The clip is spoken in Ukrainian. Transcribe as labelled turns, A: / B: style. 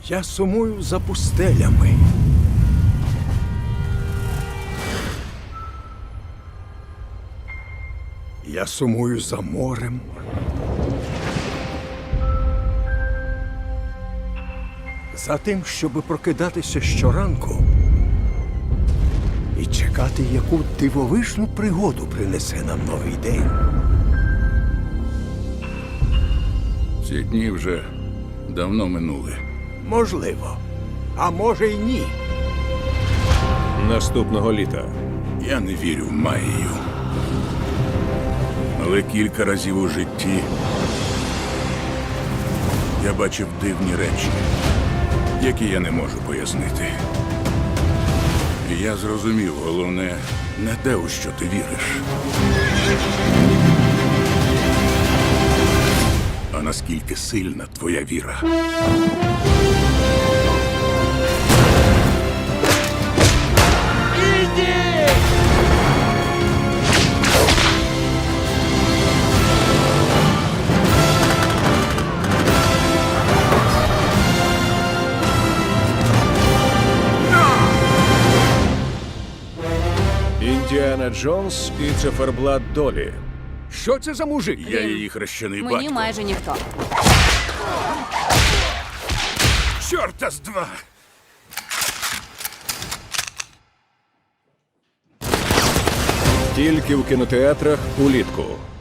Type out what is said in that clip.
A: Я сумую за пустелями. Я сумую за морем. За тим, щоб прокидатися щоранку і чекати, яку дивовижну пригоду принесе нам новий день.
B: Ці дні вже давно минули.
A: Можливо. А може й ні.
C: Наступного літа.
B: Я не вірю в магію. Але кілька разів у житті я бачив дивні речі, які я не можу пояснити. І я зрозумів, головне, не те, у що ти віриш, а наскільки сильна твоя віра.
C: Індіана Джонс і циферблат долі.
A: Що це за мужик?
B: Я її хрещений
D: Мені
B: батько.
D: майже ніхто.
B: Чорта з два!
C: Тільки в кінотеатрах улітку.